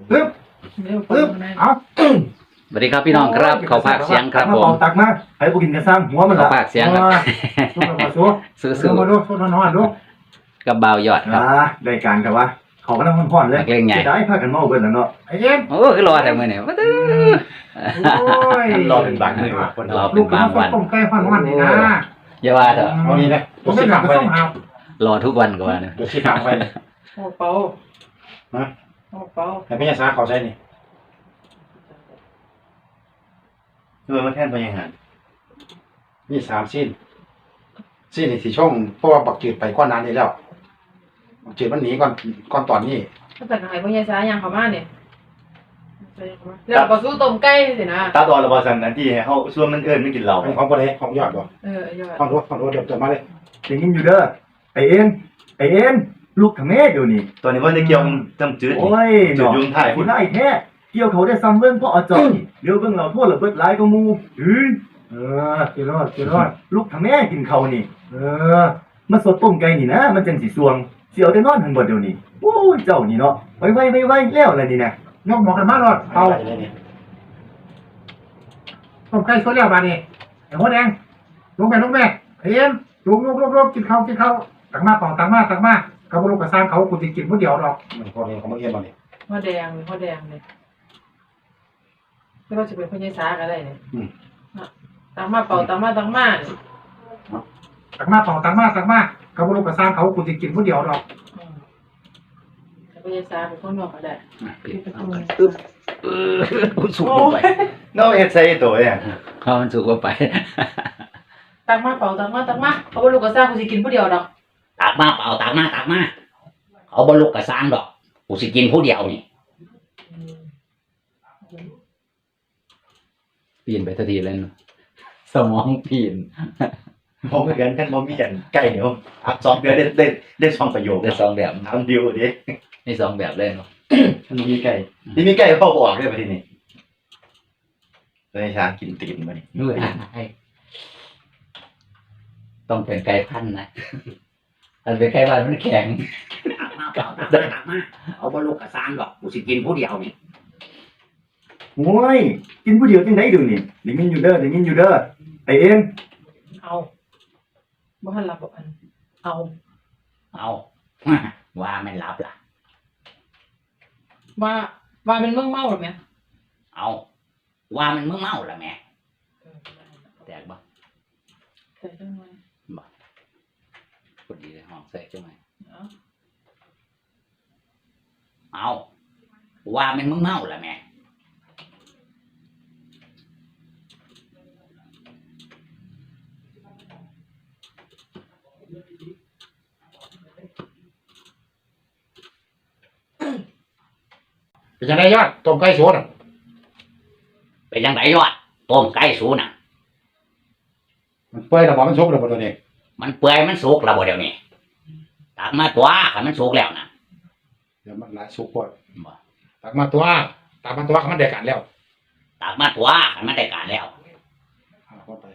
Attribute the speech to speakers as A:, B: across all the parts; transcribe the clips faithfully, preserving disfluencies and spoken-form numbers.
A: ปึ๊บปึ๊บเอา
B: สวัสดีครับพี่น้องครับเขาภาคเสียงครับผม
A: ตักมาให้พวกกินกันซ้ำหัวมัน
B: เขาภาคเสียงครับ
A: สู้ๆสู้ๆมาดูสู้ๆนอนๆดู
B: กับเบายอดครับ
A: ได้การกับว่าเขาก็ต้องพ่อนๆเลยได้พากันเมาเบิ่นแล้วเนาะไอ้เอ็ม
B: โอ้คือรอแต่มื้อนี้ว่า
A: รอเป็นบางมื้อคน
B: รอเป็นบางวัน
A: ต้มไก่ฮ้อนๆนี่นะ
B: อย่าว่าเถอะ
A: เอานี่นะผมไม่ถามไปเลย
B: รอทุกวันก็ว่านะ
C: เดี๋ยวชี้ทางไปเลย
D: โอ้เปา
C: ฮะ
D: โอ้เปา
C: ให้พี่ยาซาเขาใช้นี่
A: คือมาแทนไปยังไง
C: นี่สามสิ้นสิ้นนี่สี่ช่องเพราะว่าบักจืดไปก้อนนานนี้แล้วบักจืดมันหนีก่อนก่อนตอนนี้
D: ถ้าเป็นอะไรพวกยายสายังเขามาเนี่ยแล้วก็สู้ต้มไก่สินะ
A: ตาตอนระบาสันนะที่เขาส่วนมันเอิญไม่กินเหล้า
C: ของบริเของยอดบ่
D: เออยอด
C: ของรถของรถเดี๋ยวเดี๋ยวมาเลย
A: อย่างนี้อยู่เด้อไอเอ็นไอเอ็นลูกทำแม่เดี๋ยวนี้ตอนนี้ว่าจะเกี่ยวจำจืดโอ้ยจืดยุงถ่ายคุณได้แท้เกี่ยวเขาได้ซ้ำเบิ้งเพราะอาจารย์เดี๋ยวเบิ้งเราโทษระเบิดหลายก็มูเฮ้ยเออกินรอดกินรอดลูกทำแม่กินเขานี่เออมาสดต้มไก่นี่นะมันจังสีสวงเสียวแต่นอนหันบ่เดี๋ยวนี้โอ้ยเจ้านี่เนาะไว้ไว้ไว้ไว้แล้วอะไรนี่นะยกหมอกันมารอดเอา
C: เลยนี่
E: ต้มไก่สดแล้วบาดนี้ไอ้หัวแดงลงไปลงแม่เอ็มลุกลุกลุกลุกกินข้าวกินข้าวตักมาเปล่าตักมาตักมาเขาบ่ลูกกระซางเขากูจะกินมื้อเดียวดอก
C: มันพอดีของมันเอียนมาเนี่ย
D: พ่อแดงพ่อแดงเลยไม่ว่าจะเป็นพวกยายสาก็ได้เนี่ยตังมาเป่าตังมาตังมา
E: ตักมาเปล่าตักมาตักมาเขาบ่ลูกกระซางเขากูจะกินมื้อเดียวดอก
D: แต่พวกยายสาเป็นคนนอกก็ได้
B: ปิดเอากันปึ๊บเออสุกลงไป
A: น้องเฮ็ดใส่ตัวเนี่ย
B: เขามันสุกลงไป
D: ตังมาเป่าตังมาตังมาเขาบอกลูกกระซ่ากูจะกินผู้เดียวดอก
B: ตักมาเปล่าตักมาตักมาเอาบ่ลุกกระซางดอกกูสิกินผู้เดียวนี่ปีนไปทันทีเลยเนาะสมองปีน
A: ผมเหมือนกันท่านบ่มีกันไก่เดี๋ยวอักสองเดือนได้ได้ได้สองประโยค
B: ได้สองแบบ
A: ทำดีลดิ
B: ได้สองแบบเลยเนาะ
A: ท่านบ่มีไก่ที่มีไก่เข้าบ่ออกด้วยประเทศนี้เลยช้ากินตีนมาดิ
B: นู่นต้องเป็นไก่พันธุ์นะถ้าเป็นไก่พันธุ์มันแข็งตักมาเปล่าตักมาตักมาเอาบ่ลุกกระซางดอกกูสิกินผู้เดียวนี่
A: โอ้ยกินผู้เดียวจังได๋ดูนี่ได้ยินอยู่เด้อได้ยินอยู่เด้อไอ้เอ็น
D: เอาบ่ทันรับบอกอันเอา
B: เอาว่าไม่รับล่ะ
D: ว่าว่าเป็นเมืองเมาหรือไง
B: เอาว่ามันมึงเมาละแม่แตกบ่
D: ใส่จังไง
B: พอดีเลยห้องแตกจังไง
D: เอา
B: เอาว่ามันมึงเมาละแม่
C: เป็นยังไงยอดต้มไก่สดอ่ะ
B: เป็นยังไงยอดต้มไก่สูน่ะ
C: มันเปื่อยแล้วบ่มันสุกแล้วบ่ตัวนี้
B: มันเปื่อยมันสุกแล้วบ่เดี๋ยวนี้ตักมาตัวขันมันสุกแล้วนะ
C: เดี๋ยวมันหลายสุกพอตักมาตัวตักมาตัวมันได้การแล้ว
B: ตักมาตัวขันมันได้การแล้ว
C: เอาเข้าไป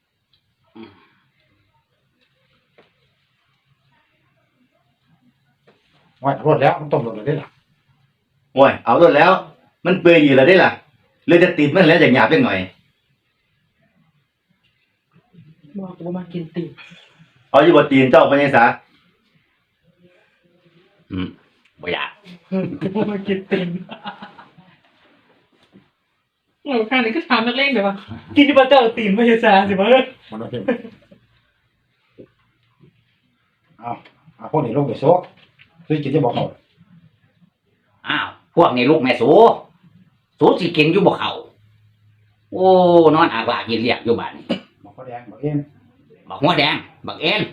C: ว่ารดแล้วมันต้มรดเลยได้หรอ
A: โอ้ยเอาโดนแล้ว มันเปื่อยอยู่แล้วได้ล่ะเลยจะติดมันแล้วอย่างหยาบจังหน่อย
D: บอกกูมากินตี
A: เอาอยู่บ่ตีนเจ้าปัญญาสา
B: อืมบ่อยาก
D: กูมากินตีนโอ้ข้างนี้ก็ถามนักเล่นเดี๋ยวว่ากินที่บ้านเจ้าตีนไม่ใช่ซาสิมั้ง
C: มันเอาเพิ่มเอาเอาพวกนี้ลงไปโซ่ซื้อกินจะบอกเขา
B: อ้าวพวกนี้ลูกแม่สูสูสิกินอยู่บ่เขาโอ้นอนอากลากยินเรียกอยู่บ้านนี่
C: บอกเขาแดงบอกเอ็น
B: บักหัวแดงบักเอ็น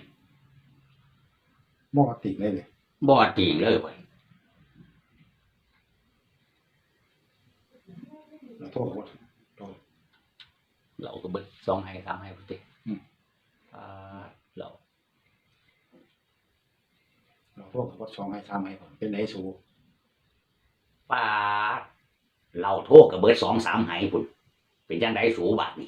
C: บอกติเลยเลย
B: บ่ติงเลยเว้ย
C: เราโทษเขา
B: เราก็เบิดสองให้สามให้พุ่นติอ่าเรา
C: เราโทษเขาสองให้สามให้ผมเป็นไหนสู
B: ปาดเราโทษกับเบิดสองสามให้พุ่นเป็นจังไดสูบาดนี่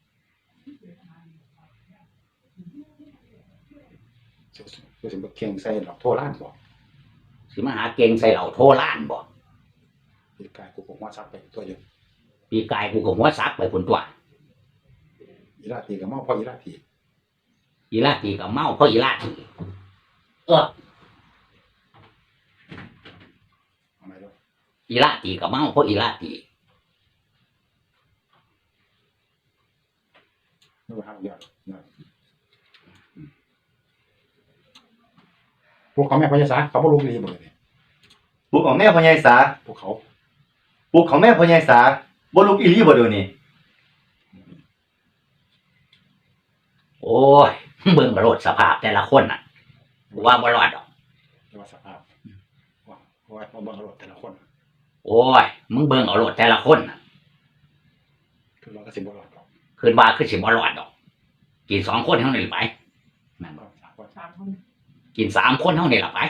C: คือสิบเคียงใส่เราโทษล้านบอก
B: สิมาหาเก่งใส่เราโทรล้านบ่
C: ปีกายกูผมว่าซักไปตัวอยู่
B: ปีกายกูก็หัวซักไปคนตัว
C: อีราตีกับเมาพ่ออีราตี
B: อีลาตีกับเมาเพราะอีลาตีเออ
C: ทำไมล่ะ
B: อีลาตีกับเมาเพราะอีลาตี
C: ไม่ว่าห้ามเดียวพวกเขาแม่พญาสาเขาบ่รู้ดีหมดเลย
A: ปลุกของแม่พ่อใหญ่สา
C: พวกเขา
A: ปลุกของแม่พ่อใหญ่สาบ่ลุกอีหลีบ่เดี๋ยวนี้
B: โอ้ยเบิ่งโลดสภาพแต่ละคนน่ะกูว่าบ่รอดดอก
C: เรียกว่าสภาพว่าว่ามาเบิ่งรถแต่ละคน
B: โอ้ยมึงเบิ่งเอาโลดแต่ละคนน่ะ
C: คือเราก็สิบ่รอดหรอก
B: คืนว่าคือสิบ่รอดดอก กินสองคนเท่านี้ไปแม่นบ่
C: สามคน
D: สามคน
B: กินสามคนเท่านี้ล่ะไป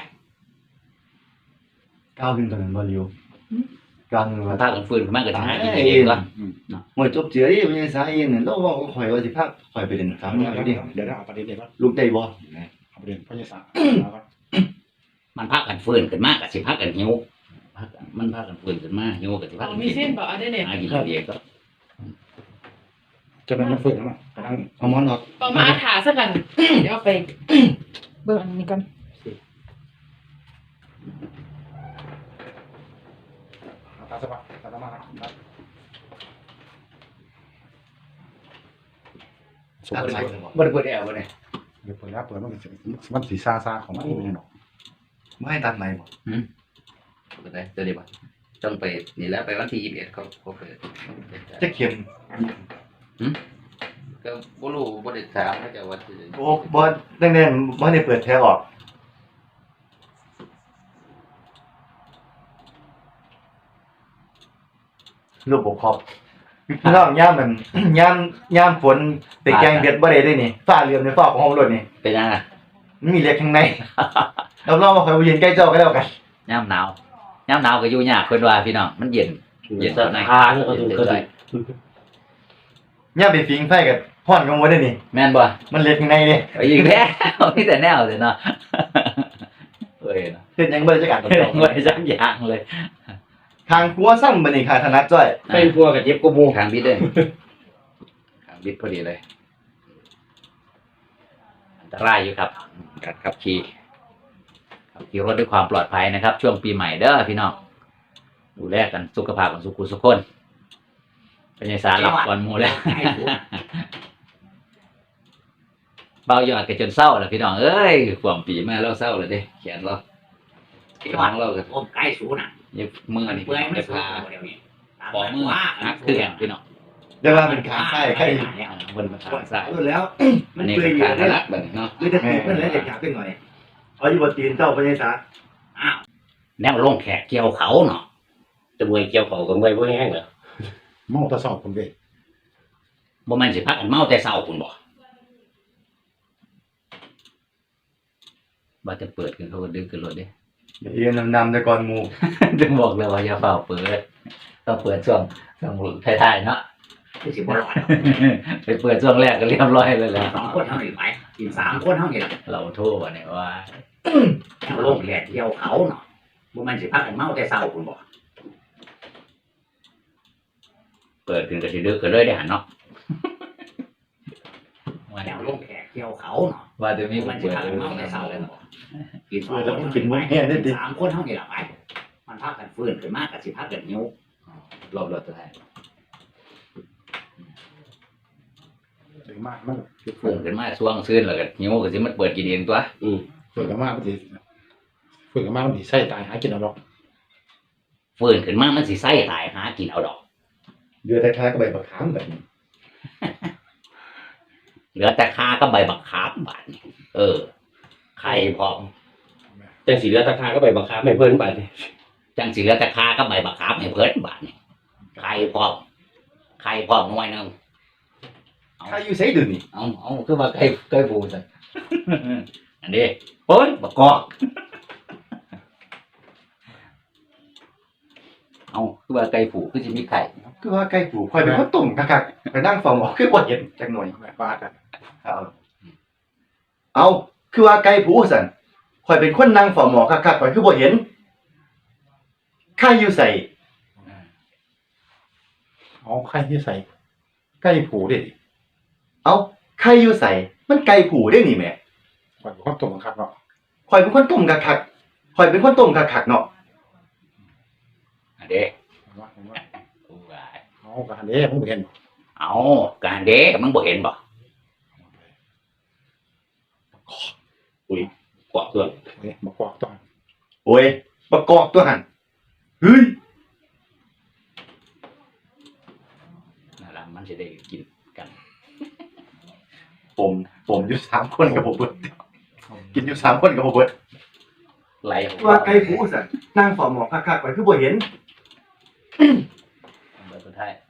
A: ก้าวขึ้นตอนนั้นบ่เร็วก้าวขึ้น
B: มัน
A: ว่า
B: พากันฟื้นขึ้นมาก็สิหากินเองก่อน
A: หมวยจบเจือดิพ่อใหญ่สาเองเนี่ยเราเว้าก็ข่อยว่าสิพาข่อยไปเล่นสาม
C: เดี๋
A: มื้
C: ยว
A: อ
C: เดี๋ยว
A: ดิ
C: เดี๋ยวเอาประเด็นนี้ก่อน
A: ลูกได้บ่
C: เอาประเด็นพญาสา
B: มันพากันฟื้นขึ้นมาก็สิพากันหิวพากันมันพากันฟื้นขึ้นมาหิวก็สิพา
D: เอา
B: กัน
D: มี
B: กิน
D: เส้นบอกเอาได้เนี่ย
B: หากินเองก็
C: จะเป็นมันฟื้นแล้วมั้งกำลัง
A: เอาหมอนออก
D: ต้องมาอาถาซะกัน เดี๋ยวเอาไป เบิ่งอันนี้กัน
C: เอาตาสบายตาตามาครับ สุด
A: อะไร
C: เลย
B: บ่ได้เปิดแอร์บ่ได้
C: เดี๋ยวเปิดแล้วเปิดมันก็สิมันสีซาซาของมันเองหรอก
A: ไม่ให้ตัดไหมบ่
B: เปิดได้เดี๋ยวดีบ่ต้องไปนี่แล้วไปวันที่ยี่สิบเอ็ดเขาเขาเปิด
A: จะเข็ม
B: ก็บ่รู้บ่ได้ถามเขาจะว่าสิ
A: โอ้บ่ดังนั้นบ่ได้เปิดแท้ออกระบบครอบพี่น้องย่ามมัน ย่ามย่ามฝนไปแกงเบ็ดบ่ได้เด้นี่ฟ้าเหลื่อมในฟ้าของห้องรถนี่
B: เป็นยังไง
A: มันมีเหล็กข้างใน รับรองว่าข่อยบ่เย็นใกล้เจ้าก็แล้วกัน
B: ยามหนาวยามหนาวก็อยู่ยากเพิ่นว่าพี่น้องมันเย็นเย็นใน
F: ทางก็ถึงก็ได้
A: ย่ามไปฟิงไฟกับฮ้อนกังวลเด้นี่
B: แม่นบ่
A: มันเหล็กข้างในเด้
B: ไปอีกแล้วมีแต่แนวเลยเนาะเอ้ยเนาะ
A: เฮ็ดหยังบ่ได้จักการกับเจ้า
B: ไม่สักอย่างเลย
A: ทางครัวซ้ำบัดนี้ค่ะถนัดจ้อย
F: เป็นพวกกับเจ็บกบมู
B: ทางบิดเด้ทางบิดพอดีเลยอันตรายอยู่ครับการขับขี่ขับขี่รถด้วยความปลอดภัยนะครับ ช่วงปีใหม่เด้อพี่น้องดูแลกันสุขภาพของสุขุสุขคนเป็นไงสารหลับก่อนหมูแล้วเบายอดกันจนเศร้าแล้วพี่น้องเอ้ยความปีมาแล้วเศร้าเลยเด้เขียนเราเขียนเราก็
G: โอ้ใกล้ศูนย์อ่ะ
B: ยังมือนี่
G: เปื่อยไม่
B: ได้
G: สู
B: พา
G: เดี๋ยวนี้
B: ขอมือนักเครื่องพี่น้อง
A: เรียกว่าเป็นขาไส้ไข่
B: อ่าบนมาทางซ้าย
A: รู้แล้ว
B: อันนี้เป็นการรักแบบนี้เนาะ
A: คือจะตีมันแล้วจะจับขึ้นหน่อยเอาอยู่บนตีนเจ้าพญาสา
B: แนวลงแขกเกี่ยวเขาเนาะ
F: จะมวยเกี่ยวเขากับมวยพวกแห้งเหรอ
C: เมาตะสอบคนเว้ย
B: บ่แม่นสิพักกันเมาแต่เช้าคุณบ่บ่จะเปิดกันเขาก็ดึงขึ้นรถเด้
A: เดี๋ยวเอ็นนำๆแต่ก่อนหมู่
B: ถึงบอกเลยว่าอย่าเฝ้าเปิดต้องเปิดช่วงช่วงท้ายๆเนาะ
G: คือสิบร้อย
B: ไปเปิดช่วงแรกก็เรียบร้อยเลยแหละ
G: สองคนเท่านี้ไปกินสามคนเท่านี้ละ
B: เราโทษว่าเนี่ยว่า
G: แล้วลงแขกเที่ยวเขาเนาะบ่แม่นสิพักกันเมาแต่เช้าคุณบอก
B: เปิดขึ้นก็สิดึกก็เลยได้หันเนาะว่า
G: แล้วลงแขกเที่ยวเขาเนาะ
B: ว่าจะมี
G: บ่
B: ค
G: แม่
B: น
G: นสิ
B: เปิด
G: พัก
B: เล
G: กัน
B: ย
G: เมา
B: เนาะ
G: แต่เช้าเลย
B: เนาะ
G: บอกกินสองคนกินสามคนเท่านี้ละไปมันพักกันฟื้นขึ้นมากกับสิพักกันหิว
B: รอบรถสุดท้าย
C: ถึงมากมัน
B: เปิดขึ้นมาช่วงซื่นแล้วก็หิวก็สิมันเปิดกินเองตัว
C: ฝึกกันมากมันสิฝึกกันมากมันสิใส่ตายหากินเอาหรอก
B: ฝืนขึ้นมามันสิไส้ตายหากินเอาดอก
A: เดือดท้ายๆก็ใบบักขามแบบนี้
B: เหลือแต่คาก็ใบบักขามบาดนี่เออไข่พร้อม
F: จังสีเรือตะคาก็ไปบังคับให้เพิ่นไปนี่
B: จังสิเหลือแต่คาก็ใบบักขามให้เพิ่นบาดนี่ไข่พร้อมไข่พร้อมหน่วยหนึง
A: ใครอยู่ไสเดือนี่
B: เอาเอาคือว่าไก่ไก่ปูใส่ อันนี้เปิ้นบักกอกเอาคือว่าไก่ผูคือสิมีไข่
A: คือว่าไก่ผูข่อยเป็นคนต้มคักๆไปนั่งเฝ้าหมอคือบ่เห็นจักหน่อย
C: แม่ปาดกัน
A: เอาเอาคือว่าไก่ผูสั่นข่อยเป็นคนนั่งเฝ้าหมอคักๆข่อยคือบ่เห็นใครอยู่ไส
B: อ
C: เอาไข่ที่ใส่ไก่ผูดิ
A: เอาใครอยู่ใส่มันไก่ผูได้นี่แหม่
C: ข่อยบ่คนต้มบังคับเนาะ
A: ข่อยเป็นคนต้มคักๆข่อยเป็นคนต้มคักๆเนาะ
B: อันเด้
C: เห็นบ่เห็นบ่
B: โอ้ย
C: เอากะหันเด้มึงบ่เห็นบ่
B: เอาการเด้มึงบ่เห็นบ่
F: อุ้ยกว่าเพื่อน
C: เฮ้ยมากวากตอน
A: โอ้ยประกอบตัวหันเฮ้ย
B: นั่นล่ะมันสิได้กินกัน
A: ผมผมอยู่สามคนกับผมเบิดกินอยู่สามคนกับผมเบิด
B: ไหล
A: ว่าไก่ผูสันนั่งฝ่อหมอคักๆไปคือบ่เห็น
B: เบิดสุดท้าย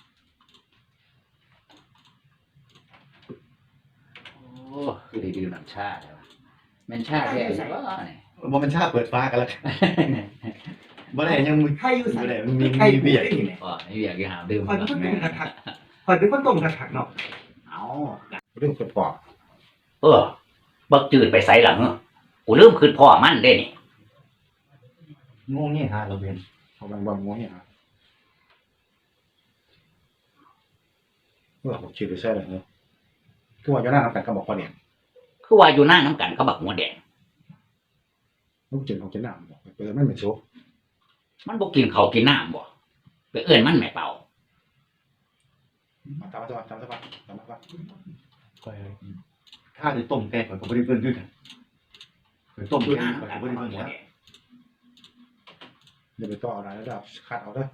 B: โอ้คือได้ดื่มน้ำชาแล้วะแม่นชาแท้ใช่บ่นี่
A: บ่มันชาเปิดฟ้ากันแล้วกันบ่ได้ยังมีไข่อยู่ใส่บ่ได้มันมี
B: ไข่
A: มีเบียร์อีก
B: อ๋อนี่อยากจะหาดื่ม
A: ข่อยเป็นคนต้มคักๆข่อยเป็นคนต้มคักๆเนาะ
B: เอา
C: เรื่องเกิดปอก
B: เออบักจืดไปไสหลังกูลืมคืนพ่อมันเด้นี่
A: งงนี่ฮะเราเป็น
C: เอาบางบางงเนี่ยฮะเออผมชื่อไปใส่เลยเนาะคือว่าอยู่หน้าทำกันก็บอกว่าเนี่ย
B: คือว่าอยู่หน้าน้ำกันเขาบักหัวแดง
C: ลูกเจนของเจนหนามบอกไปเปิดมันเป็นโซ่
B: มันบ่กินเขาวกินน้ำบ่ไปเอื้อนมันแม่เป่า
C: ตามมาตามมาตามมาตามมาตามมา
A: ข่อยข้าจะต้มแกงข่อยก็บ่ได้เบิ่งคือกันข่อยต้ม
B: อยู่
A: เพิ่น
B: หน้า
A: ข่อย
B: น้ำกัน
A: ก็บ่
B: เขา
A: ได้
B: บั
A: เบิ่
B: ก
A: ง
B: หัว
A: แล้ว
C: อย่าไปต่ออะไรแล้วเดี๋ยวขาดเอาเด้อ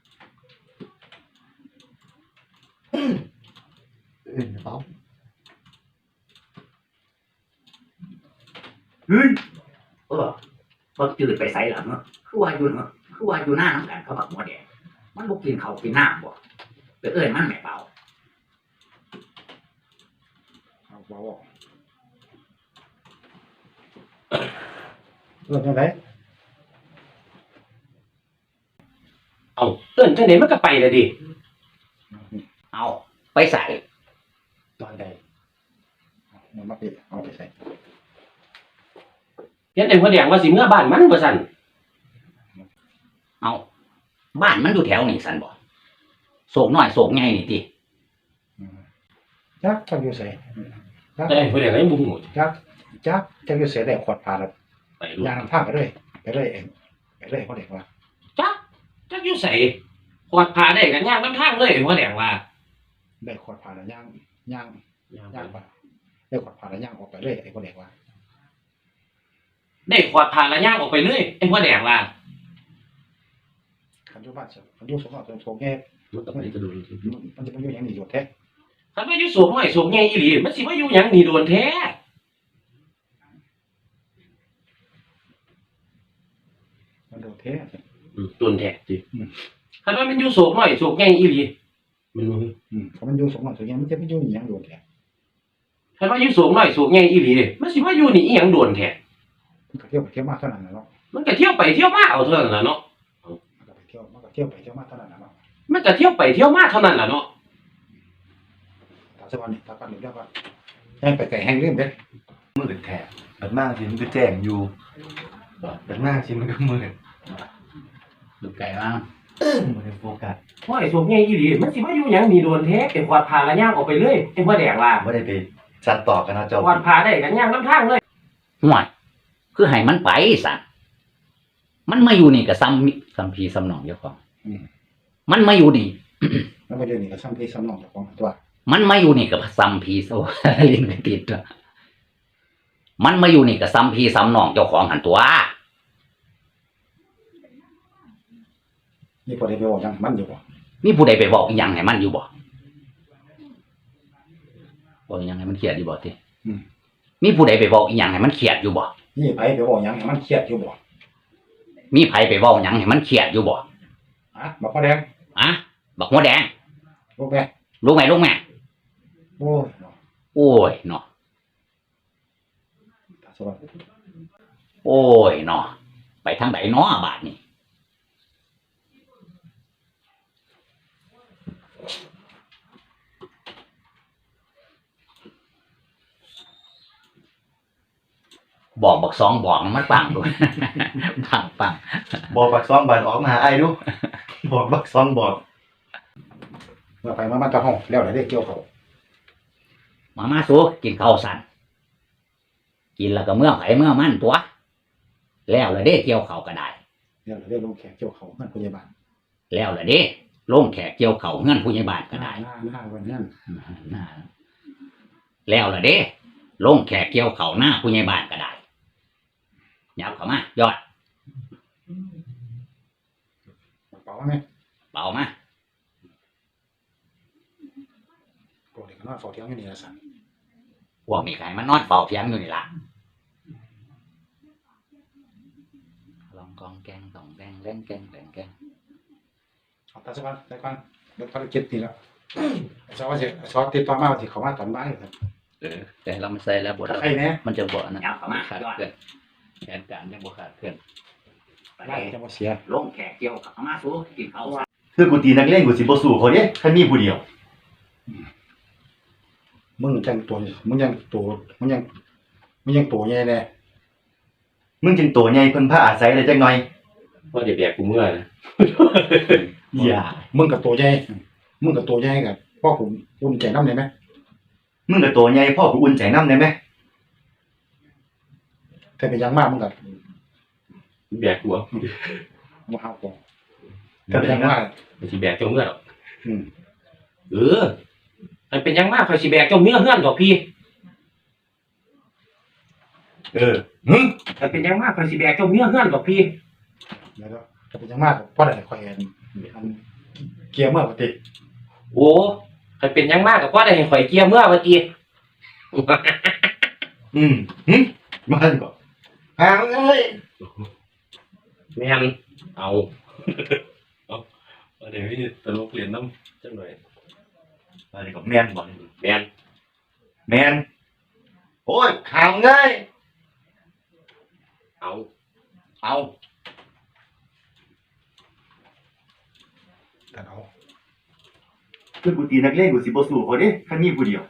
A: เอ้ยเปล่าเฮ้ย
B: เออบักจืดไปไสหลังคือว่าอยู่คือว่าอยู่หน้าน้ำกันเขาบักหัวแดงมันบ่กินเขาวกินน้ำบ่ไปเอื้อนมันแม่เป่า
C: เอาเบาเรื่องอะไร
F: เอาเอิ้นจังได๋มันก็ไปแล้วดิ
B: เอาไปใส่
A: ตอนใด
C: มันมาปิดเอาไปใส่
F: เฮ็ดไอ้หัวแดงว่าสิเมื่อบ้านมันว่าซั่น
B: เอาบ้านมันอยู่แถวนี่สันบ่โศกน้อยโศกใหญ่นี่ติ
C: จักจักอยู่ใส่
F: แต่ไอ้หัวแดงก็ยังบ่ฮู้
C: จักจักจักอยู่ใส่ได้ขวดพาแล้ว
F: ไปรู้
C: ยางทางไปเลยไปเลยเองไปเลยเขาเด็กว่า
F: จักจักอยู่ไสขวดพาได้กันย่างนำทางเลยไอ้หัวแดงว่า
C: ได้ขวดพาแล้วย่างย่างย่างไปได้ขวดพาแล้วย่างออกไปเลยไอ้เขาเด็กว่า
F: ได้ขวดพาแล้วย่างออกไปเลยไอ้หัวแดงว่า
C: คันอยู่บ้านเสร็จคันอยู่สมองสมแง่
F: มันก็ไปกระโดด
C: มันจะเป็นอยู่อย่างนี้อยู่แท้
F: คันว่าอยู่สูงน้อยสูงใหญ่อีหลีมันสิมาอยู่หยังนี่โดนแท้
C: มันโดนแท้
F: อืมโดนแท้จิคันว่ามันอยู่สูงน้อยสูงใหญ่อีหลีมันบ่
C: อืมเขามันอยู่สมองสมแง่มันจะเป็นอยู่อย่างโดนแท้
F: คันว่าอยู่สูงน้อยสูงใหญ่อีหลีมันสิมาอยู่นี่อีหยังโดนแท้
C: มันก็เที่ยวไปเที่ยวมาเท่านั้นแหละเนาะ
F: มันก็เที่ยวไปเที่ยวมาเอาเท่านั้นล่ะเนาะ
C: มันก็ไปเที่ยวมันก็เที่ยวไปเที่ยวมาเท่านั้นแหละเนาะ
F: มันก็เที่ยวไปเที่ยวมาเท่านั้นล่ะเนาะ
C: ตาสวรรค์นี่ตาปันหรือเรียกว่าแห้งไปไก่แห้งเรื่องเด้
A: มืดแท้บัดมากสิมันก็แจ้งอยู่บัดมากสิมันก็มืด
B: ดูไก่บ้าง
A: บ่ได้โฟกัส
F: ว่าไอ้สูงใหญ่อีหลีมันสิมาอยู่หยังนี่โดนแท้ไอ้ขวดพาแล้วย่างออกไปเลยไอ้หัวแดงว่า
A: บ่ได้ไปสัตว์ต่อกันเนาะเจ้า
F: ขวดพาได้กันย่างนำทางเลย
B: ห่วยคือให้มันไปสันมันมาอยู่นี่ก็ซ้ำมิซ้ำพีซ้ำหนองเจ้าของ
C: อืม
B: มันมาอยู่นี่
C: แล้วมาเดี๋ยวนี้ก็ซ้ำพี่ซ้ำน้องเจ้าของตัว
B: มันมาอยู่นี่กับซ้ำพีโซ ลิ้นไม่ติดตัวมันมาอยู่นี่กับซ้ำพีซ้ำหนองเจ้าของหันตัว
C: นี่พอได้ไปบอกยังมันอยู่บ่
B: มีผู้ใดไปบอกอีหยังให้มันอยู่บ่บอกอีหยังให้มันเครียดอยู่บ่ติมีผู้ใดไปบอกอีหยังให้มันเครียดอยู่บ่
C: นี่ไปไปบอกยังให้มันเครียดอยู่บ่
B: มีไผไปเว้าหยังให้มันเครียดอยู่บ่
C: อ่ะบอกพ่อแดง
B: อะบักหัวแดง
C: ลูกแม่
B: รู้ไหมรู้ไหม
C: โอ้ยเนาะ
B: โอ้ยเนาะ
C: ตาสวรรค์
B: โอ้ยเนาะไปทางไหนเนาะบาดนี้บอกบักสองบอกมันปังดู ปังปัง
A: บอกบักซองบัดออกมาหาไอ้ดูบอกบักซองบอก
C: เมื่อไปมามันจะห้องแล้วได้เกี่ยวเขา
B: มามาสู้กินข้าวสันกินแล้วก็เมื่อไผเมื่อมันตัว แล้วละเด้เกี่ยวเขาวก็ได้
C: แล้วได้ลงแขกเกี่ยวเขาเงินพยาบาล
B: แล้วละเด้ลงแขกเกี่ยวเขาวเงื่อนผู้ใหญ่บ้านก็ได้
C: หน้าหน้าวันนั้น
B: น่าแล้วละเด้ลงแขกเกี่ยวเขาวหน้าผู้ใหญ่บ้านก็ได้ยับเข้ามายอด
C: เป่าไหม
B: เบามา
C: โกรธก็นอนเฝ้าเที่ยงอยู่นี่ละสัน
B: พวกมีใครมานอนเฝ้าเพียงอยู่นี่ล่ะลองกองแกงสองแดงแรงแกงแรงแกง
C: เอาตาสักวันสักวันเดี๋ยวภารกิจนี่แล้วชอบว่าจะชอบติดต่อมาว่าที่เขามาตอนบ่ายครับ
B: เออแต่เราไม่ใส่แล้วบท
C: ถ้าใครเนี่ย
B: มันจะบ่นะขาดเกินแผนการยังบ่ขาดเกิน
C: ไล่จะมาเสีย
G: ลงแขกเกี่ยวกับมาสู้กินข้าว
A: คือกูตีนักเลงกูสิบ่สู้เขาเด้คันมีผู้เดียว
C: มึงยังตัวมึงยังตัวมึงยังมึงยังตัวใหญ่แน่
A: มึงจึงโตใหญ่เพิ่นพาอาศัยได้จักหน่อย
F: ว่าเดี๋ยวแบกกูเมื่อนะ
A: อย่า
C: มึงกับตัวใหญ่มึงกับตัวใหญ่กับพ่อผมอุ่นใจน้ำเลยไหม
A: มึงก็โตใหญ่พ่อกูอุ่นใจนำได้ไหม
C: แต่เป็นยังมากมึงกับ
F: แบกกูเอา
C: มาห้าวกอง
A: ก็เป็นอย่างนั้น
F: ไม่ใช่แบกเจ้าเมื่อหรอก
C: อืม
F: เออมันเป็นยังมากคอยสิแบกเจ้าเมื่อเฮือนดอกพี่
A: เออหึ
F: มันเป็นยังมากคอยสิแบกเจ้าเมื่อเฮือนดอกพี่
C: เดี๋ยวแต่เป็นยังมากพ่อได้คอยอันอันเกียร์เมื่อปกติ
F: โอ้มันเป็นยังมากกับว่าได้ให้ข่อยเกียร์เมื่อเมื่อกี้
A: อืมหึมาดีกว่าหางเอ้ย
F: แม่นเอา เอาเดี๋ยวพี่ตลกเรียนน้ำจังหน่อย
A: มาดีกว่าแม่นบ่
F: แม่น
A: แม่นโอ้ยหางเอ้ย
F: เอา
A: เอา
C: แต่เอา
A: คือกูตีนักเลงกูสิบ่สู้เขาเด้คันมีผู้เดียว